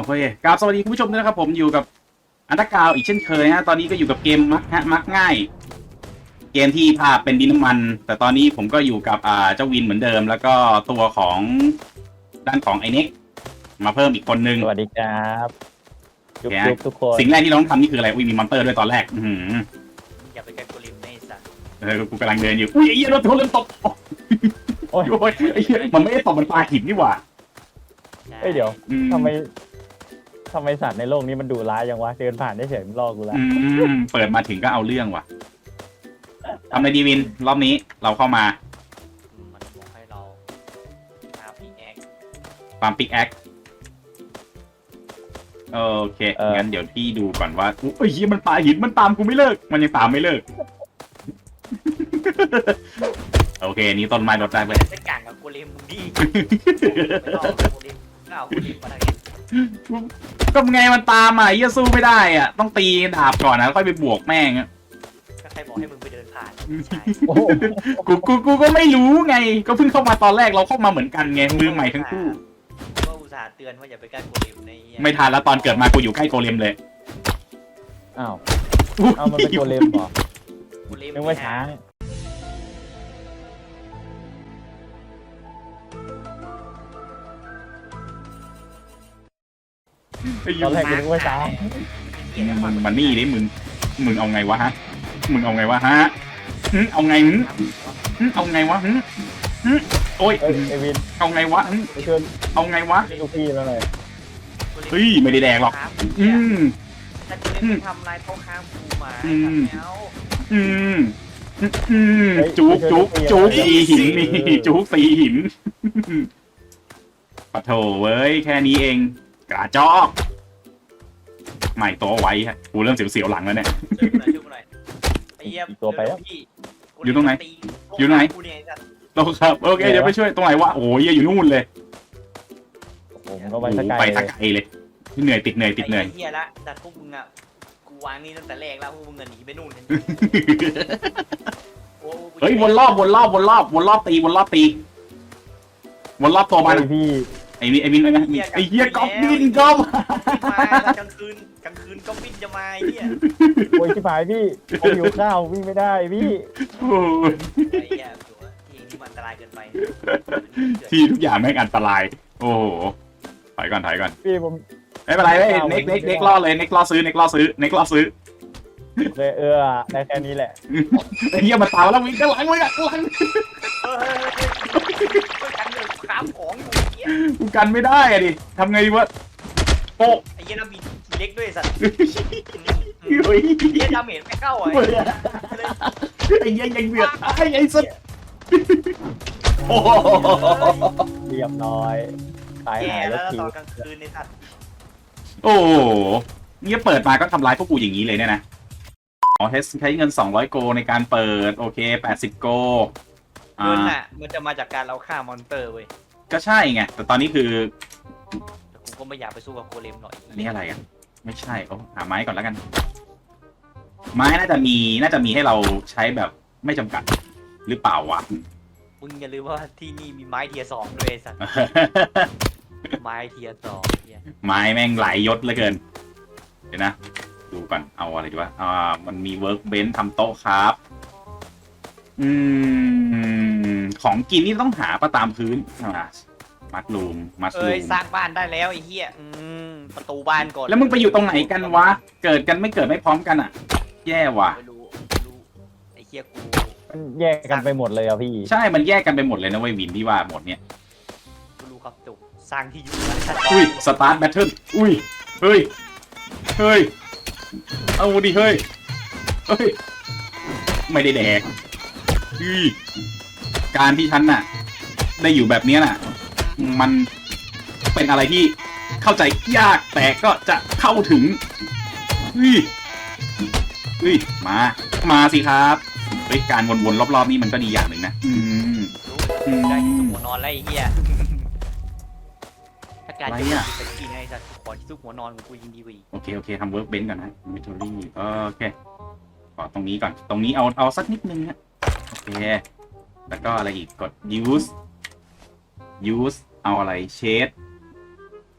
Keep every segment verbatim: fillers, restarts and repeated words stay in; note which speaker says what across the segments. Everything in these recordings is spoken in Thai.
Speaker 1: เฮ้ยกราบสวัสดีคุณผู้ชมด้วยนะครับผมอยู่กับอันตรกาวอีกเช่นเคยฮะตอนนี้ก็อยู่กับเกมมักฮะมักง่ายเกมที่ภาพเป็นดินน้ำมันแต่ตอนนี้ผมก็อยู่กับอ่าเจ้าวินเหมือนเดิมแล้วก็ตัวของด้านของไอเน็กมาเพิ่มอีกคนนึง
Speaker 2: สวัสดีครับจุ๊บ
Speaker 1: แก
Speaker 2: จุ๊บทุกคน
Speaker 1: สิ่งแรกที่เราต้องทำนี่คืออะไรอุ้ยมีมอนเตอร์ด้วยตอนแรกอือหือ
Speaker 3: อย่าไปกันกูริมในสัตว์
Speaker 1: เออกูกำลังเดินอยู่อุ้ยไอ้เหี้ยรถทัวร์เริ่มตก
Speaker 2: โอ้ย
Speaker 1: โอ้ยไอ้เหี้ยมันไม่ได้ตกมันปลาหินนี่หว่า
Speaker 2: เอ้ยเดี๋ยว
Speaker 1: อืม
Speaker 2: ทำไมทำไมสัตว์ในโลกนี้มันดุร้ายยังวะเดินผ่านได้เฉยมันล่อกูแล้ว
Speaker 1: อืมเปิดมาถึงก็เอาเรื่องว่ะทำอะไรดีวินรอบนี้เราเข้ามา
Speaker 3: มันบอกให้เราหาพีแอค
Speaker 1: ฟาร์มปิกแอคโอเคงั้นเดี๋ยวพี่ดูก่อนว่าอุ้ยเหี้ยมันปาหินมันตามกูไม่เลิกมันยังตามไม่เลิก โอเคนี่ต้นไม้ลดได้เลย
Speaker 3: จะก่างกับกูริมมึงดีไม่รอดกูริมก้าวกูริมมาทางนี้
Speaker 1: ก็ไงมันตามอ่ะเหี้ยสู้ไม่ได้อ่ะต้องตีดาบก่อนนะแล้วค่อยไปบวกแม่งอะ
Speaker 3: ก็ใครบอกให้มึงไปเดินผ่านใช่
Speaker 2: โอ้โห
Speaker 1: กูกูกูก็ไม่รู้ไงก็เพิ่งเข้ามาตอนแรกเราเข้ามาเหมือนกันไงมือใหม่ทั้งคู่
Speaker 3: ก็อุตส่าห์เตือนว่าอย่าไปใกล้กูริมใน
Speaker 1: ไม่ทันแล้วตอนเกิดมากูอยู่ใกล้โกเลมเลย
Speaker 2: อ้าวเอามันเป็นตัวเลมเหรอ
Speaker 3: กูริม
Speaker 2: นึกว่าช้าง
Speaker 1: ไอ้
Speaker 2: ต
Speaker 1: ยู
Speaker 2: อนแรกกูนึกว่าช้าง
Speaker 1: มันมันนี่ดิมึงมึงเอาไงวะฮะมึงเอาไงวะฮะหึเอาไงหึหึเอาไงวะหึหึโอ้ย
Speaker 2: เอ้ยไอวิน
Speaker 1: เอาไงวะหึ
Speaker 2: ไปชวน
Speaker 1: เอาไงวะ
Speaker 2: ลูกพี่มาหน่อย
Speaker 1: เฮ้ยไม่ได้แดกหรอกอืม
Speaker 3: แต่กูริมทำลายเขาข้ามกูมา
Speaker 1: อืม
Speaker 3: แล้ว
Speaker 1: อืมอืมอืมจุกจุกจุกสีหินนี่จุกสีหินปะโถเว้ยแค่นี้เองกระจอกไม่โตไว้ฮะกูเริ่มเสียวๆหลังแล้วเนี่ย
Speaker 3: ช่วยกูหน่อยช่วยกูหน่อยไอ้เหี้ยพี่
Speaker 1: อยู่ตรงไหน
Speaker 3: ตี
Speaker 1: อยู่ไหน
Speaker 3: กูเนี่ยไอ้สัตว์
Speaker 1: โตครับโอเคเดี๋ยวไปช่วยตรงไหนวะโอ้ยอยู่นู่นเลย
Speaker 2: ผมก็ไป
Speaker 1: โอ้
Speaker 2: ส
Speaker 1: โห
Speaker 2: กาย
Speaker 1: ไป
Speaker 2: เล
Speaker 1: ตะ
Speaker 2: ย
Speaker 1: ไกลเลยเหนื่อยติดเหนื่อยติดเหนื่อย
Speaker 3: ไอ้เหี้ยละแต่พวกมึงอ่ะกูวางนี่ตั้งแต่แรกแล้วพวกมึงอะหนีไปนู่นกันโอ้กู
Speaker 1: เฮ้ยวนรอบวนรอบวนรอบวนรอบตีวนรอบตีวนรอบตัวมัน
Speaker 2: ไอพี่
Speaker 1: ไอ้นี่ไอ้มินไอ้มินไอ้เหี้ยก๊อปบินก๊อป
Speaker 3: มาแล้วกลางคืนกลางคืนก็บินจะมาไอ้เหี้ย
Speaker 2: โอ้ยชิบหายพี่ผมหิวข้าววิ่งไม่ได้พี่
Speaker 1: โอ้ย
Speaker 3: ไอ้เหี้ยตัวที่ที่มันอันตรายเกินไป
Speaker 1: ที่ทุกอย่างแม่งอันตราย โอ้โหถอยก่อนถอยก่อน
Speaker 2: พี่ผม
Speaker 1: ไม่เป็นไรเว้ยเน็กเน็กเน็กล่อเลยเน็กล่อซื้อเน็กล่อซื้อเน็กล่อซื้อ
Speaker 2: เลยเออได้แค่นี้แหละ
Speaker 1: ไอ้เหี้ยมาตามแล้ววิ่งข้างหลังมึงอะข้างหลัง
Speaker 3: เออช่วยกันเลยค้ามของอยู่ไอ้เหี้ย
Speaker 1: กูกันไม่ได้อะดิทำไงดีวะโป๊ะ
Speaker 3: ไอ้เหี้ยน้ำมีทีเล็กด้วยสัตว์
Speaker 1: เฮ้ย
Speaker 3: ไอ้เหี้ยดาเมจไม่เข้าอ่ะ
Speaker 1: ไอ้เหี้ยยังเบียดไอ้ไอ้สุดโอ้โห
Speaker 2: เรียบร้อยตาย
Speaker 3: แย่
Speaker 2: หาย
Speaker 3: แล้
Speaker 2: แล้ว วคิ
Speaker 3: ต
Speaker 2: ว
Speaker 3: อนกลางคืนในสัตว์
Speaker 1: โอ้โหเนี่ยเปิดมาก็ทำร้ายพวกกูอย่างนี้เลยเนี่ยนะอ๋อใช้เงินสองร้อยโกในการเปิดโอเคแปดสิบโก
Speaker 3: เงินน่ะมันจะมาจากการเราฆ่ามอนเตอร์เว้ย
Speaker 1: ก็ใช่ไงแต่ตอนนี้คือ
Speaker 3: แต่กูก็ไม่อยากไปสู้กับโกเลมหน่อย
Speaker 1: อันนี้อะไรอ่ะไม่ใช่โอ้หาไม้ก่อนแล้วกัน ไม้น่าจะมีน่าจะมีให้เราใช้แบบไม่จำกัดหรือเปล่าวะ
Speaker 3: มึงอย่าลืมว่าที่นี่มีไม้เทียร์สองด้วยไอ้สัตว์ไม้เทียร์สองเหี้ย
Speaker 1: ไม้แม่งหลายยศเหลือเกิน เดี๋ยวนะ ดูก่อนเอาอะไรดีวะอ่ามันมีเวิร์กเบนซ์ทำโต๊ะครับ อืม ของกินนี่ต้องหาประตามพื้นอ่ามัดลูมมัด
Speaker 3: เอ้
Speaker 1: ลู
Speaker 3: ย
Speaker 1: ม
Speaker 3: สร้างบ้านได้แล้วไอ้เหี้ยอืมประตูบ้านก่อน
Speaker 1: แล้วมึงไปอยู่ตรงไหนกันวะ เกิดกันไม่เกิดไม่พร้อมกันอ่ะ แย่ว่ะ
Speaker 3: ไม่รู้ไม่รู้ไอ้เหี้ยกู
Speaker 2: มันแยกกันไปหมดเลยอ่ะพี่
Speaker 1: ใช่มันแยกกันไปหมดเลยนะเว้ยวินที่ว่าหมดเนี่ย
Speaker 3: กูรู้ครับจบสร้างที่อยู่แล้ว
Speaker 1: อุ้ยสตาร์ทแบทเทิลอุ้ยเฮ้ยเฮ้ยเอาดิเฮ้ยเฮ้ยไม่ได้แดกอุ้ยการที่ฉันน่ะ ได้อยู่แบบเนี้ยน่ะ มันเป็นอะไรที่เข้าใจยากแต่ก็จะเข้าถึงอุ้ยอุ้ยมามาสิครับเฮ้ยการวนๆรอบๆนี่มันก็ดีอย่างหนึ่งนะอืม
Speaker 3: รู้ได้ที่สุกหัวนอนแล้วไอ้เหี้ยถ้าการจะเป็นกินไอ้สัตว์ขอที่สุกหัวนอนของกูยิงดีกว่าอีก
Speaker 1: โอเค โอเค ทำเวิร์กเบนก่อนนะมิทอรี่โอเคขอตรงนี้ก่อน ตรงนี้เอา เอาสักนิดนึงฮะโอเค แล้วก็อะไรอีก กด use use เอาอะไร shade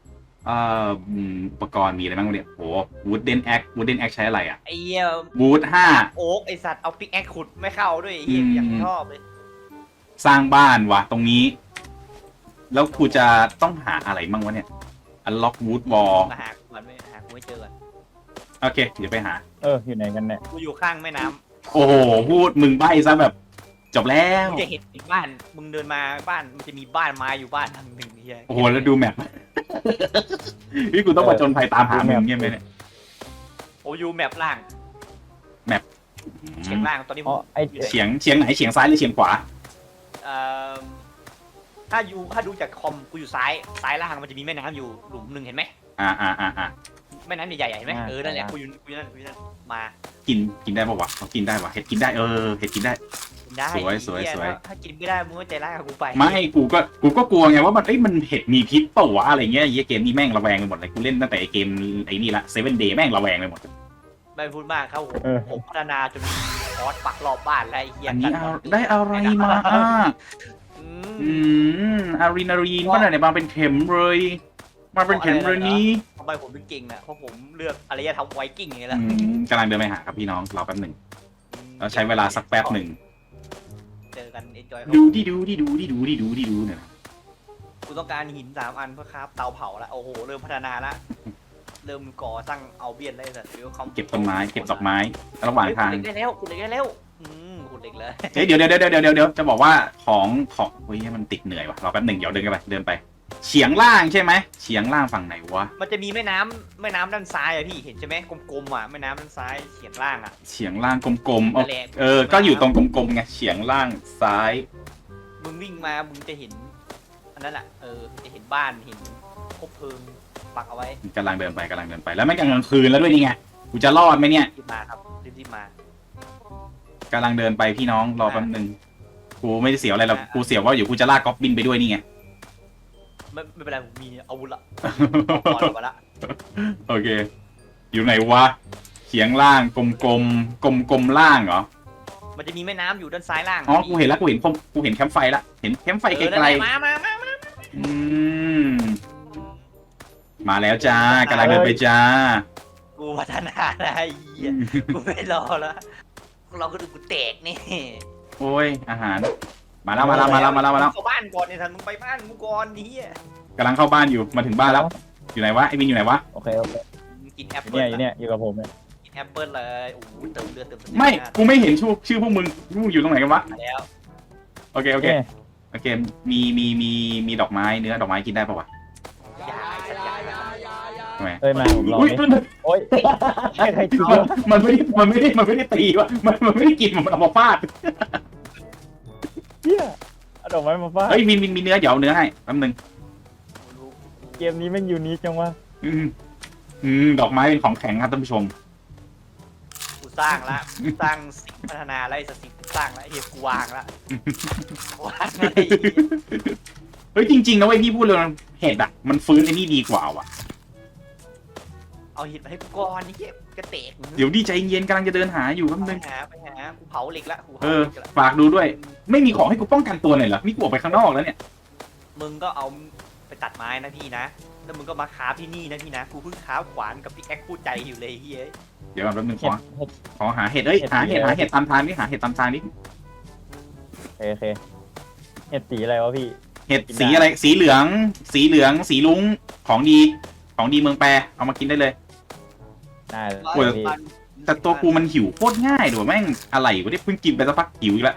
Speaker 1: เอ่ออืมอุปกรณ์มีอะไรบ้างวะเนี่ยโหวูดเดนแอควูดเดนแอคใช้อะไรอ่ะ
Speaker 3: ไอ้เหี้ย
Speaker 1: วูดห้า
Speaker 3: โอ๊กไอสัตว์เอาปิกแอคขุดไม่เข้าด้วยไอ้เหี้ย
Speaker 1: อืม
Speaker 3: อย่างชอบเลย
Speaker 1: สร้างบ้านวะตรงนี้ แล้วกูจะต้องหาอะไรบ้างวะเนี่ย unlock wood wall
Speaker 3: มาหากูมันไม่หากูไม่เจอก่อน
Speaker 1: โอเค เดี๋ยวไปหา
Speaker 2: เอออยู่ไหนกันเนี่ย
Speaker 3: กูอยู่ข้างแม่น้ำ
Speaker 1: โอ้โห พูดมึงใบ้ซะแบบ จบแล้ว
Speaker 3: มึงจะเห็นบ้านมึงเดินมาบ้านมันจะมีบ้านไม้อยู่บ้านทางหนึ่งเหี้ย
Speaker 1: โอ้โห แล้วดูแมป นี่กูต้องมาจนภัยตามหามึงเงี้ยไหมเนี่ย
Speaker 3: โอ้อยู่แมปล่างเฉียงล่างตอนนี้ผ
Speaker 2: อ๋อ
Speaker 3: ม
Speaker 2: ไอ้
Speaker 1: เฉียงเฉียงไหนเฉียงซ้ายหรือเฉียงขวา
Speaker 3: เอ่อถ้าอยู่ถ้าดูจากคอมกูอยู่ซ้ายซ้ายล่างมันจะมีแม่น้ำอยู่หลุมหนึ่งเห็นไหม
Speaker 1: อ่าอ่าอ่าอ่า
Speaker 3: แม่น้ำใหญ่ๆเห็นไหมเออนั่นแหละกูอยู่กูอยู่นั่นกูอยู่นั่นมา
Speaker 1: กินกินได้ปะวะเขากินได้วะเห็ดกินได้เออเห็ดกินได้
Speaker 3: กินได้
Speaker 1: สวยสวย
Speaker 3: เหี้
Speaker 1: สวย
Speaker 3: ถ้าถ้ากินไม่ได้มึงก็ใจร้ายกับกูไป
Speaker 1: ไม่กูก็กูก็กลัวไงว่ามันเอ้ยมันเห็ดมีพิษเปล่าวะอะไรเงี้ยไอ้เหี้ยเกมนี้แม่งระแวงไปหมดเลยกูเล่นตั้งแต่ไอ้เกมไอ้นี่ละเซเว่นเดย์แม่งระแวงไปหมด
Speaker 3: ไม่พูดมากครับผม
Speaker 2: เออ
Speaker 3: ผมพัฒนาจนมีคอร์สปักรอบบ้านแล้วไอ้เหี้ย
Speaker 1: อันนี้เอา
Speaker 3: กั
Speaker 1: ได้อะไรมาอ่ะ
Speaker 3: อื
Speaker 1: อื
Speaker 3: ม
Speaker 1: มอารีนารีนก็ไหนมาเป็นเข็มเลย มาเป็นเข็มเลยนี้
Speaker 3: ทำไมผมถึงเก่งน่ะเพราะผมเลือกอารยธรรมไวกิ้งอย่างนี้แหละ
Speaker 1: อืมกำลังเดินไปหาครับพี่น้องรอแป๊บหนึ่งเราใช้เวลาสักแป๊บหนึ่ง
Speaker 3: เจอกันเอนจอย
Speaker 1: ดูดิดูดิดูดิดูดิดูดิดูเนี่ยนะ
Speaker 3: กูต้องการหินสามอันเพื่อคราฟเตาเผาแล้วโอ้โหเริ่มพัฒนาละเริ่มก่อสร้างเอาเบียนได้แต่เดี๋ยวเขา
Speaker 1: เก็บต้นไม้เก็บดอกไม้ระหว่างทาง
Speaker 3: ขุดเหล็กได้แล้วขุดเหล็กได้แล้วอืมขุดเหล็กเลย
Speaker 1: เฮ้ยเดี๋ยวเดี๋ยวเดี๋ยวเดี๋ยวเดี๋ยวเดี๋ยวจะบอกว่าของของเฮ้ยมันติดเหนื่อยว่ะรอแป๊บหนึ่งเดี๋ยวเดินกันไปเดินไป เฉียงล่างใช่ไหมเฉียงล่างฝั่งไหนวะ
Speaker 3: มันจะมีแม่น้ำแม่น้ำด้านซ้ายอะพี่เห็นใช่ไหมกลมๆอ่ะแม่น้ำด้านซ้ายเฉียงล่างอ่ะ
Speaker 1: เฉียงล่างกลมๆเอา
Speaker 3: นั่นแหละ
Speaker 1: เออก็อยู่ตรงกลมๆไงเฉียงล่างซ้าย
Speaker 3: มึงวิ่งมามึงจะเห็นอันนั้นแหละเออจะเห็นบ้านเห็นคบเพลิงปักเอาไว้
Speaker 1: กำลังเดินไปกำลังเดินไปแล้วไม่กลางคืนแล้วด้วยนี่ไงกูจะรอดไหมเนี่ย
Speaker 3: รีบมาครับรีบๆมาก
Speaker 1: ำลังเดินไปพี่น้องรอแป๊บหนึ่งกูไม่ได้เสียวอะไรหรอกกูเสียวว่าอยู่กูจะลากก๊อบบินไปด้วยนี่ไง
Speaker 3: ไม่ไม่เป็นไรผมมีอาวุธละเอาก่อนมาละ
Speaker 1: โอเค อยู่ไหนวะเฉียงล่างกลมกลมกลมกลมๆล่างเหรอ
Speaker 3: มันจะมีแม่น้ำอยู่ด้านซ้ายล่าง
Speaker 1: อ๋อกูเห็นแล้วกูเห็นผมกูเห็นแคมป์ไฟละเห็นแคมป์ไฟ
Speaker 3: เอ
Speaker 1: ไก
Speaker 3: อนั่น
Speaker 1: ล
Speaker 3: แหละมามามามา
Speaker 1: ๆอืมมาแล้วจ้ากำลังเดินไปจ้า
Speaker 3: กูพัฒนาได้ไอ้เหี้ยกูไม่รอแล้วเราก็ดูกูแตกนี่
Speaker 1: โอ้ยอาหาร มาแล้วมาแล้วมาแล้วมาแล้วมาแล้ว
Speaker 3: เข้าบ้านก่อนเนี่ยทันมึงไปบ้านมึงก่อนนี่
Speaker 1: กำลังเข้าบ้านอยู่มาถึงบ้านแล้ว อยู่ไหนวะไอ้วินอยู่ไหนวะ
Speaker 2: โอเคโอเค
Speaker 3: กินแอป
Speaker 2: อยู่
Speaker 3: เปิ้
Speaker 2: เนี่
Speaker 3: ล
Speaker 2: ยอยู่เนี่ยอยู่กับผมเนี่ย
Speaker 3: กินแอปเปิ้ลเลยโอ้โหเติมเลือดเติมสติ
Speaker 1: ไม่กูไม่เห็นชื่อชื่อพวกมึงพวกมึงอยู่ตรงไหนกันวะ
Speaker 3: มาแล้ว
Speaker 1: โอเคโอเค
Speaker 2: เนี่ย
Speaker 1: โอเคมีมีมีมีดอกไม้เนื้อดอกไม้กินได้ปะวะ
Speaker 3: ยายสัตว์ยาย
Speaker 1: ทำไม
Speaker 2: เอ้ยมาผมลอง
Speaker 1: อุ้ย
Speaker 2: ดิ
Speaker 1: มัน
Speaker 2: โอ้ยใครใครกิน
Speaker 1: มันมันไม่ได้มันไม่ได้มันไม่ได้ตีวะมันมันไม่ได้กินมันเอามาฟาด
Speaker 2: เหี้ยเอาดอกไม้มาฟาด
Speaker 1: เฮ้ยวินวินมีเนื้อเดี๋ยวเอาเนื้อให้แป๊บนึง
Speaker 2: เกมนี้แม่งยูนิคจังวะ
Speaker 1: อืมอืมดอกไม้เป็นของแข็งครับท่านผู้ชม
Speaker 3: กูสร้างละกูสร้างสิ่งพัฒนาแล้วไอ้สิ่งกูสร้างแล้วไอ้เหี้ยกูวางละวางอะไร
Speaker 1: เฮ้ยจริงๆนะเว้ยพี่พูดเลยนะเห็ดอะมันฟื้นไอ้นี่ดีกว่าว่ะ
Speaker 3: เอาหินมาให้กูก่อนนี่เหี้ยกระเตก
Speaker 1: เดี๋ยวดีใจเย็นกำลังจะเดินหาอยู่แป๊บ
Speaker 3: ไป
Speaker 1: นึง
Speaker 3: หาไปหากูเผาเหล็กละกู
Speaker 1: เอ
Speaker 3: เผา
Speaker 1: อ
Speaker 3: เหล็กละ
Speaker 1: ฝากดูด้วย ไม่มีของให้กูป้องกันตัวหน่อยเหรอนี่กูออกไปข้างนอกแล้วเนี่ย
Speaker 3: มึงก็เอาไปตัดไม้นะพี่นะแล้วมึงก็มาคราฟที่นี่นะพี่นะกูเพิ่งคราฟขวานกับพี่แอ๊กคู่ใจอยู่เลยเฮ้ย
Speaker 1: เดี๋ยวก่อนแป๊บนึงข
Speaker 2: เห็
Speaker 1: อ
Speaker 2: ดเห็ด
Speaker 1: ขอหาเห็ดเอ้ย
Speaker 2: เห็ด
Speaker 1: หาเห็ด
Speaker 2: สีอะไร
Speaker 1: หาเห็ดตามทางนี่หาเห็ดตามทางนี่
Speaker 2: โอเคโอเคเห็ดสีอะไรวะพี่
Speaker 1: เห็ดสีอะไรสีเหลือง สีเหลือง สีลุ้งของดีของดีเมืองแปรเอามากินได้เลย
Speaker 2: ได้เลย
Speaker 1: โอ้ย
Speaker 2: พี่
Speaker 1: แต่ตัวกูมันหิวโคตรง่ายด้วยแม่งอะไรวะเนี่ยเพิ่งกินไปสักพักหิวอีกแล้ว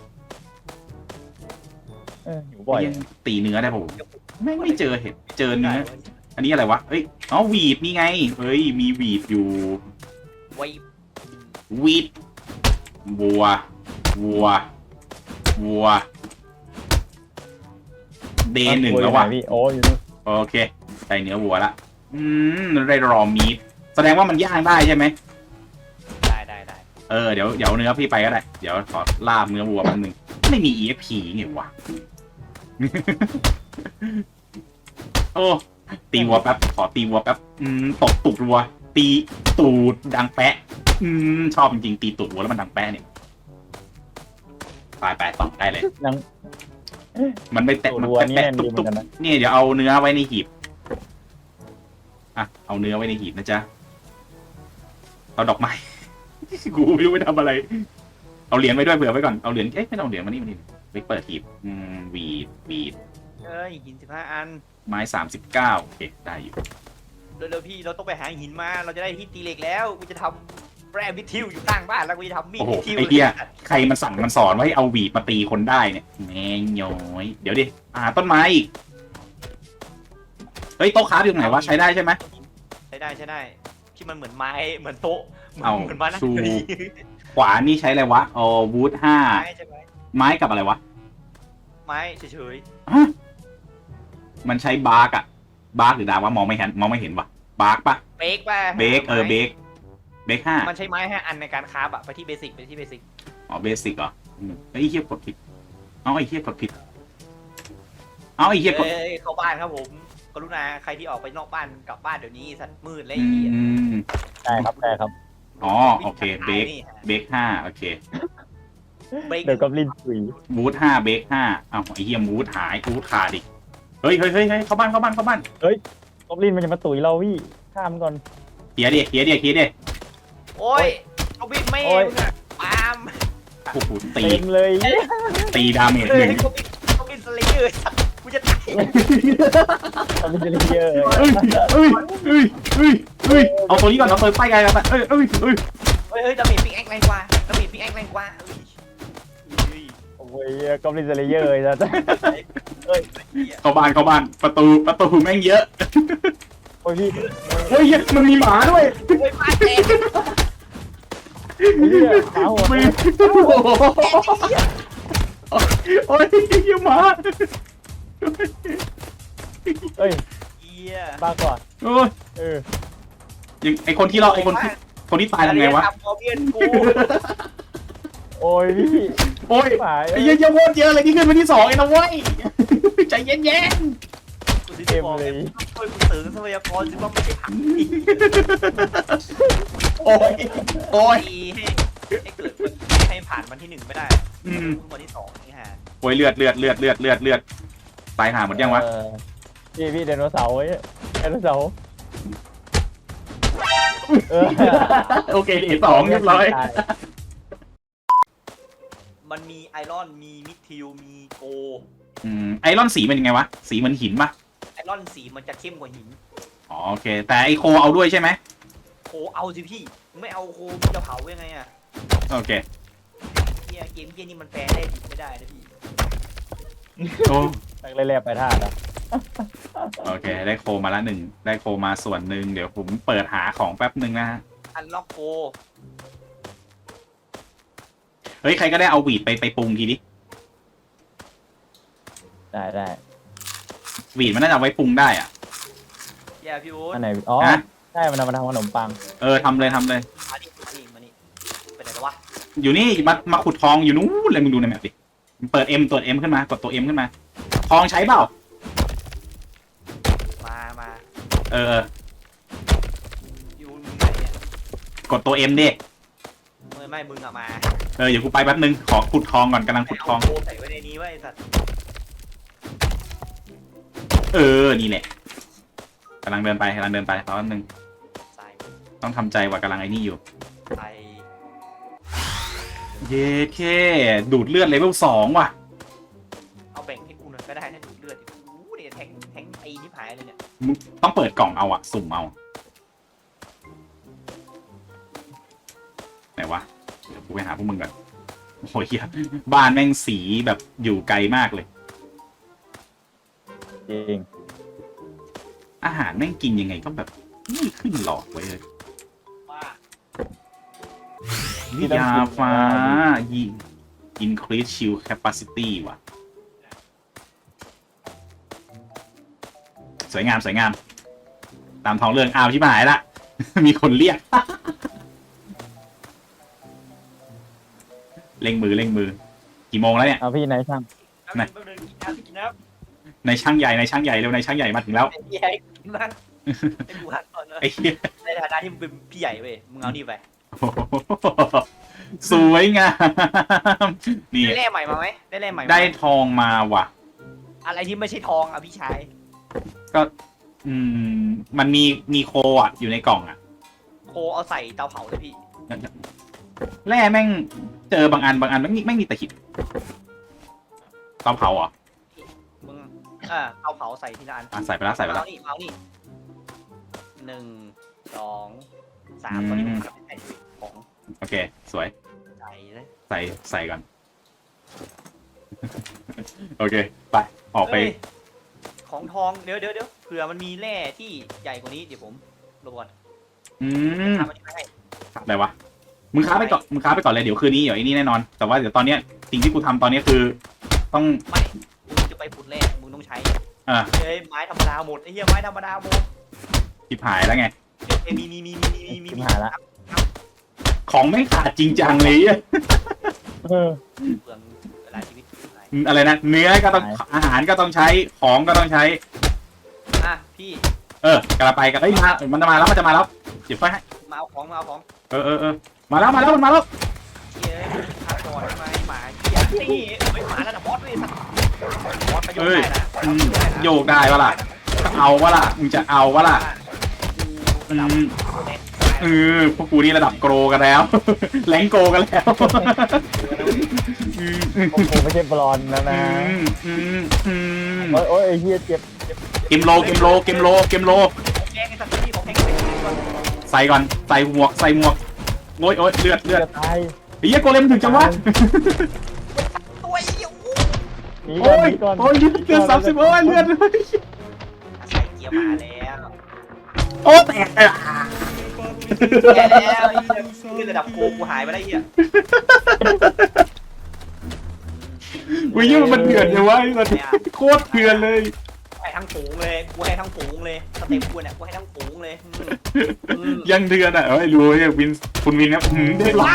Speaker 2: เอออยู่บ่อย
Speaker 1: ยังตีเนื้อได้ป่ะไม่ไม่เจอเห็ดเจอเนื้อ
Speaker 3: ได้
Speaker 1: อันนี้อะไรวะเอ้ยอ๋อวีดนี่ไงเฮ้ยมีวีดอยู่
Speaker 3: ไว้
Speaker 1: วีดวัววัววัวเดย์หนึ่งแล้ววะ
Speaker 2: อยู่ไพี่โอ้อยู่นู่น
Speaker 1: โอเคได้เนื้อวัวละอืมได้รอมีดแสดงว่ามันย่างได้ใช่ไหม
Speaker 3: ได้ได้ได้
Speaker 1: เออเดี๋ยวเดี๋ยวเนื้อพี่ไปก็ได้เดี๋ยวขอลาบเนื้อวัวแป๊บนึงไม่มี อี เอฟ พี ไงวะ โอ้ตีวัวแป๊บขอตีวัวแป๊บอืมตบตูดวัว ตีตูดดังแปะ อืมชอบจริงๆตีตูดวัวแล้วมันดังแปะเนี่ยไปไปต่อได้เลย
Speaker 2: ยัง
Speaker 1: มันไม่แตะ
Speaker 2: ตัว
Speaker 1: มัน
Speaker 2: รัวนี่
Speaker 1: แตะ
Speaker 2: แน่น
Speaker 1: ตุ๊
Speaker 2: ดี
Speaker 1: บ
Speaker 2: เหมือ
Speaker 1: ตุ๊บ
Speaker 2: นกันนะ
Speaker 1: นี่เดี๋ยวเอาเนื้อไว้ในหีบอ่ะเอาเนื้อไว้ในหีบนะจ๊ะเอาดอกไม้ กูไม่รู้ไปทำอะไร เอาเหรียญไว้ด้วยเผื่อไว้ก่อนเอาเหรียญเอ๊ะไม่ต้องเอาเหรียญมานี่มานี่ไปเปิดหีบอืมวีดวีด
Speaker 3: เอ้ยหินสิบห้าอัน
Speaker 1: ไม้สามสิบเก้าโอเคได้อยู่
Speaker 3: เร็วๆพี่เราต้องไปหาหินมาเราจะได้ที่ตีเหล็กแล้วกูจะทำแร่วิทิวอยู่ข้างบ้านแล้วกูจะทำมีด
Speaker 1: โอ้โห
Speaker 3: วิทิว
Speaker 1: ไอเดียใครมันสั่งมันสอนว่าให้เอาหวีดมาตีคนได้เนี่ยแม่งย้อยเดี๋ยวดิอ่าต้นไม้อีกเฮ้ยโต๊ะค้าอยู่ตรงไหนวะใช้ได้ใช่ไหม
Speaker 3: ใช้ได้ใช้ได้ที่มันเหมือนไม้เหมือนโต๊ะเหมือน
Speaker 1: เอา
Speaker 3: เหมือนไม้นั่ง
Speaker 1: ชู
Speaker 3: เก้าอี้
Speaker 1: ขวานี่ใช้อะไรวะอ๋อวูดห้า
Speaker 3: ไม้ใช่ไหม
Speaker 1: ไม้กับอะไรวะ
Speaker 3: ไม้เฉย
Speaker 1: ฮะมันใช้บาร์กอะบาร์กหรือดาวะมองไม่เห็นมองไม่เห็นวะบาร์กปะ
Speaker 3: ๆเบรกป่ะ
Speaker 1: เบรกเออเบรกเบรกห้า
Speaker 3: มันใช้ไม้ห้าอันในการคราฟอะไปที่เบสิกไปที่เบสิก
Speaker 1: อ๋อเบสิกเหรออืมไอ้เหี้ยกดผิดเอาไอ้เหี้ยกดผิดเอาไอ้เหี้ยกด
Speaker 3: เอ้ยเข้าบ้านครับผมกรุณาใครที่ออกไปนอกบ้านกลับบ้านเดี๋ยวนี้สัตว์มืดเลย
Speaker 1: อื
Speaker 3: ไอ้เหี้ย
Speaker 1: ม
Speaker 2: ใช่ครับใช่ครับ
Speaker 1: อ๋อโอเคเบรก
Speaker 3: นี่ฮะ
Speaker 1: เบรกห้าโอเค
Speaker 3: เบรก
Speaker 2: เดี๋ยวก็ลินสุย
Speaker 1: วูดห้าเบรกห้าเอ้าไอ้เหี้ยวูดหายวูดขาดอีกเฮ้ยเฮ้ยเฮ้ยเฮ้ยเข้าบ้านเข้าบ้านเข้าบ้าน
Speaker 2: ก็ลินมันจะมาตุ๋ยเราพี่ข้ามก่อน
Speaker 1: เฮียดิเฮียดิเฮียดิ
Speaker 3: โอ้ยเอาบินไม่
Speaker 2: โอ้ย
Speaker 3: มึงอะปาล์ม
Speaker 1: โอ้โหตี
Speaker 2: เต็มเลย
Speaker 1: ตีดาเมจ
Speaker 3: เฮ้
Speaker 1: ห
Speaker 3: ย
Speaker 1: นึ่ง
Speaker 3: เขาบินเขาบินสไลเดอร์สัตว์กูจะตาย
Speaker 2: ทำเป็นเจลิเยอร์
Speaker 1: เอ้ยเอ้ยเอ้ยเอ้ยเอ้ยเอาตัวนี้ก่อนเอาตัวป้ายไกลกันไปเอ้ยเอ้ยเอ้ย
Speaker 3: เฮ้ยเฮ้ยดาเมจพิกแอคแรงกว่าดาเมจพิกแอคแรงกว่าเฮ้ยเฮ้ย
Speaker 2: โอ้ยก็ลินเจลิเยอร์เลยนะ
Speaker 3: เฮ้ยเหี้ย
Speaker 1: เข้าบ้านเข้าบ้านประตูประตูแม่งเยอะ
Speaker 2: โอ้ยพี่
Speaker 1: เฮ้ยมันมีหมาด้วย
Speaker 3: เฮ้ยบ้านแตก
Speaker 2: เหี้ยขาหัว
Speaker 1: มีโอ้โหโอ้ยเหี้ยหมา
Speaker 2: เอ้ย
Speaker 3: เหี้ย
Speaker 2: บ้าก่อน
Speaker 1: โอ้ย
Speaker 2: เออ
Speaker 1: ยังไอคนที่เราไอคนที่คนที่ตายทำไงวะ
Speaker 3: ทำพอเพียนกู
Speaker 2: โอ้ยพี่
Speaker 1: โอ้ย
Speaker 2: หาย
Speaker 1: ไอ้เหี้ยเยอะโคตรเยอะเลยที่ขึ้นไปที่สองเองนะเว้ยใจเย็น
Speaker 3: กูถึงจะบอกไงมึงต้องช่วยกูเสริมทรัพยากรสิว่าไม่ใช่ผักดี
Speaker 1: ๆโอ้ยโอ้ย
Speaker 3: ให้ให้เกิดให้ผ่านวันที่หนึ่งไม่ได้
Speaker 1: อืม
Speaker 3: วันที่สองนี่ฮะ
Speaker 1: โอ้ยเลือดเลือดเลือดเลือดเลือดเลือดตายหาหมดยังวะ
Speaker 2: เออพี่พี่ไดโนเสาร์ไว้ไดโนเสาร์เออ
Speaker 1: โอเคเอสองเรียบร้อย
Speaker 3: มันมีไอรอนมีมิดทิวมีโก
Speaker 1: อืมไอรอนสีมันยังไงวะสีมันหินปะ
Speaker 3: ไอรอนสีมันจะเข้มกว่าหิน
Speaker 1: อ๋อโอเค แต่ไอโคเอาด้วยใช่ไหม
Speaker 3: โคเอาสิพี่ไม่เอาโคมันจะเผายังไงอะ
Speaker 1: โอเค
Speaker 3: เฮียเกมเฮียนี่มันแปลได้ดิไม่ได้นะพี่
Speaker 1: โอ้
Speaker 2: ตั้งเล่ๆไปท่านะ
Speaker 1: โอเค ได้โคมาละหนึ่งได้โคมาส่วนหนึ่งเดี๋ยวผมเปิดหาของแป๊บหนึ่งนะฮะ
Speaker 3: อันล็อกโค
Speaker 1: เฮ้ยใครก็ได้เอาวีดไปไปปรุงทีดิ
Speaker 2: ได้ได้
Speaker 1: วีดมันน่าจะเอาไว้ปรุงได้อ่ะ
Speaker 3: เฮียพี่อู๊ด
Speaker 2: อันไหนอ๋อ
Speaker 1: ฮะ
Speaker 2: ใช่มันเอามาทำขนมปัง
Speaker 1: เออทำเลยทำเลย
Speaker 3: มานี่มานี่มานี่ไปไหนกันวะ
Speaker 1: อยู่นี่มามาขุดทองอยู่นู้นเลยมึงดูในแมปดิเปิด M ตัว M ขึ้นมากดตัว M ขึ้นมา ทองใช้เปล่า
Speaker 3: มามา
Speaker 1: เออเออ
Speaker 3: พี่อู๊ดมึงไหนเนี่ย
Speaker 1: กดตัว M ดิ
Speaker 3: ไม่ไม่มึงอะมา
Speaker 1: เออเดี๋ยวกูไปแป๊บนึงขอขุดทองก่อนกำลัง
Speaker 3: ให้
Speaker 1: ขุดท
Speaker 3: เอา
Speaker 1: อง
Speaker 3: โคใส่ไว้ในนี้ไว้ไอ้สัตว์
Speaker 1: เออนี่แหละกำลังเดินไปกำลังเดินไปรอแป๊บนึง
Speaker 3: ใส่
Speaker 1: ต้องทำใจว่ากำลังไอ้นี่อยู่
Speaker 3: ใส่
Speaker 1: เย้เคดูดเลือดเลเวลสองว่ะ
Speaker 3: เอาแบ่งให้กูหน่อยก็ได้ถ้าดูดเลือดดิโอ้โหเนี่ยแทงแทงไอ้ที่ผายเลยเนี่ย
Speaker 1: มึงต้องเปิดกล่องเอาอะสุ่มเอาไหนวะเดี๋ยวกูไปหาพวกมึงก่อนโอ้ยเหี้ยบ้านแม่งสีแบบอยู่ไกลมากเลย
Speaker 2: จริง
Speaker 1: อาหารแม่งกินยังไงก็แบบไม่ขึ้นหลอดไว้เลย
Speaker 3: ว่า
Speaker 1: วิยาฟ้ายิง increase shield capacity ว่ะ สวยงามสวยงาม ตามท้องเรื่องอ้าวที่หายละ มีคนเรียก เร่งมือเร่งมือ กี่โมงแล้วเนี่ย
Speaker 2: เอาพี่นายช่าง
Speaker 3: แป๊บนึงแป๊บนึงกินน้ำกินน้ำ
Speaker 1: ในช่างใหญ่ในช่างใหญ่เร็วในช่างใหญ่มาถึงแล้ว
Speaker 3: ไอ้เหี้ยให้กินน้ำให้กูหันก่อนนะ
Speaker 1: ไอ้เหี้ย
Speaker 3: ในฐานะที่มึงเป็นพี่ใหญ่เว้ยมึงเอานี่ไป
Speaker 1: โอ้โหสวยงามนี่
Speaker 3: ได้แร่ใหม่มาไหมได้แร่ใหม่มาหม
Speaker 1: ได้ทองมาว่ะ
Speaker 3: อะไรที่ไม่ใช่ทองอ่ะพี่ชาย
Speaker 1: อืมมันมีมีโคอ่ะอยู่ในกล่องอ่ะ
Speaker 3: โคเอาใส่เตาเผาเลยพี่
Speaker 1: แร่แม่งเจอบางอันบางอันไม่มีไม่มีแต่หินเตาเผาเหรอ
Speaker 3: มึงอ่าเตาเผาใส่ทีละอัน
Speaker 1: อ่ะใส่ไปแล้วใส่ไปแล้ว
Speaker 3: เอานี่เอานี่หนึ่งสองสามตอนนี้ผมทำให้ของ
Speaker 1: โอเค สวย
Speaker 3: ใส่เลย
Speaker 1: ใส่ใส่ก่อน โอเค ไป ออกไป
Speaker 3: เอ้ยของทองเดี๋ยวเดี๋ยวเดี๋ยวเผื่อมันมีแร่ที่ใหญ่กว่านี้เดี๋ยวผมรบกวน
Speaker 1: อืม
Speaker 3: ทำอันนี้ให้
Speaker 1: อะไรวะ มึงค้าไปก่อน มึงค้าไปก่อนเลย เดี๋ยวคืนนี้เดี๋ยวไอ้นี่แน่นอน แต่ว่าเดี๋ยวตอนเนี้ยสิ่งที่กูทำตอนเนี้ยคือ ต้อง
Speaker 3: ไม่มึงจะไปขุดแร่มึงต้องใช้
Speaker 1: อ่า
Speaker 3: เฮ้ยไม้ธรรมดาหมดไอ้เหี้ยไม้ธรรมดาหมด
Speaker 1: จิบหายแล้วไง
Speaker 3: เฮ้ยมีมีมีมีมีมี
Speaker 2: ชิบ
Speaker 3: มี
Speaker 2: หายละ
Speaker 1: ของไม่ขาดจริงจังเลยอะ
Speaker 2: เออ
Speaker 3: เปลืองเวลาชีวิตหาย
Speaker 1: อะไรนะ เนื้อก็ต้อง อาหารก็ต้องใช้ ของก็ต้องใช้
Speaker 3: อ่ะพี่
Speaker 1: เออกระไปกันเอ้ยมา มันจะมาแล้ว มันจะมาแล้ว เดี๋ยวค่อยให้
Speaker 3: มาเอาของมาเอาของ
Speaker 1: เออเออเออมาแล้ว มาแล้ว มันมาแล้ว
Speaker 3: เฮ้ยพาก่อนทำไมหมาเหี้ยนี่เฮ้ยหมาระดับบอสเลยสัตว์บอสประโยชน์ได้นะ
Speaker 1: อืมโยกได้ปะล่ะจะเอาวะล่ะ มึงจะเอาวะล่ะ
Speaker 3: ระดับ
Speaker 1: อืม
Speaker 3: เน็ต
Speaker 1: เออพวกกูนี่ระดับโกรกันแล้ว แรงโกรกันแล้วอืมอืม
Speaker 2: ผมผมไม่ใช่บอลนะนะ
Speaker 1: อืมอืม
Speaker 2: โอ้ยโอ้ยไอ้เหี้ยเจ็บ
Speaker 1: เกมโลเกมโลเกมโลเกมโล
Speaker 3: ของแกงไอ้สัตว์ที่ของแกงใส่ก่อน
Speaker 1: ใส่ก่อนใส่หมวกใส่หมวกโอ้ยโอ้ยเลือดเลือด
Speaker 2: จะตาย
Speaker 1: ไอ้เหี้ยโกเลมถึงจังวะ
Speaker 3: ตัวไอ้เหี้ยอู้
Speaker 2: หนีก่
Speaker 1: โอ้
Speaker 2: อนห
Speaker 1: ย
Speaker 2: นีก่อน
Speaker 1: โอ้ยเลือดสามสิบโอ้ยเลือด
Speaker 3: ใส่เกียร์มาแล้ว
Speaker 1: โอ้แตกเลยอ่ะ
Speaker 3: แกแล้วไอ้เหี้ยขึ้นระดับโกกูหายไปได้วไอ้เหี้ย
Speaker 1: อุ้ยเหี้ยมันเถื่อนจังวะไอ้สัสโคตรเถื่อนเลย
Speaker 3: ให้ทั้งฝูงเลยกูให้ทั้งฝูงเลยสเต็ปกูเนี่ยกูให้ทั้งฝูงเลยอืมอืม
Speaker 1: ยังเถื่อนอ่ะเอ้ยรู้ไอ้วินคุณวินครับหืมได้หรอ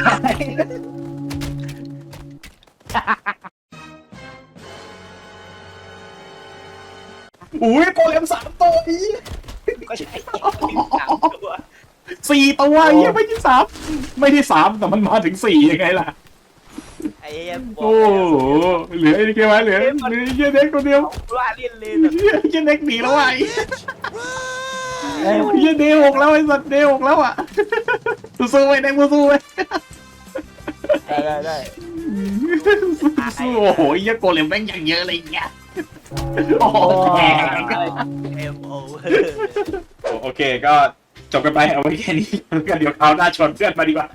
Speaker 1: อุ้ยโกเลมสามตัวอี
Speaker 3: ก็ใช่สามตัว
Speaker 1: สี่ตัวไอ้เหี้ยไม่ใช่สามไม่ได้สามแต่มันมาถึงสี่ยังไงล่ะ
Speaker 3: ไอ้เหี้ยบอก
Speaker 1: โอ้โหเหลือไอ้เกี่ยวเหลือเหลือไอ้เหี้ยเด็กคนเดียว
Speaker 3: ว่าเล่นเลย
Speaker 1: เหี้ยไอ้เหี้ยเด็กหนีแล้วอ่ะไอ้เหี้ยเดหกแล้วไอ้สัตว์เดหกแล้วอ่ะสู้ๆไว้เด็กสู้ๆไว้
Speaker 2: ได้ได้ได้
Speaker 1: สู้ๆโอ้โหไอ้เหี้ยโกเลมแม่งอย่างเยอะเลยเงี้ยโอ้โหแตก
Speaker 3: เอ็มโอ
Speaker 1: โอเคก็จบกันไปเอาไว้แค่นี้แล้วกันเดี๋ยวคราวหน้าชวนเพื่อนมาดีกว่า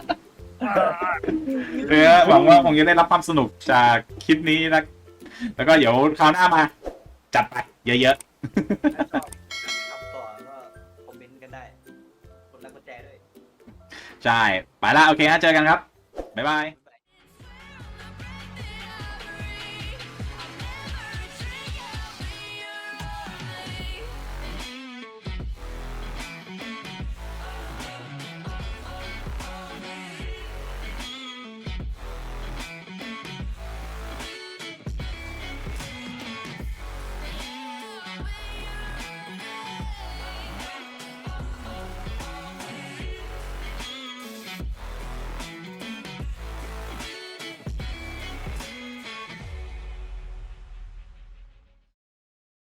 Speaker 1: เออหวังว่าคงจะได้รับความสนุกจากคลิปนี้นะแล้วก็เดี๋ยวคราวหน้ามา จัดไปเยอะ
Speaker 3: ถ้าชอบทำต่อก็คอมเมนต์กันได้กดไลค์กดแชร์ด้วย
Speaker 1: ๆ ใช่ ไปละโอเคฮะเจอกันครับ บ๊ายบาย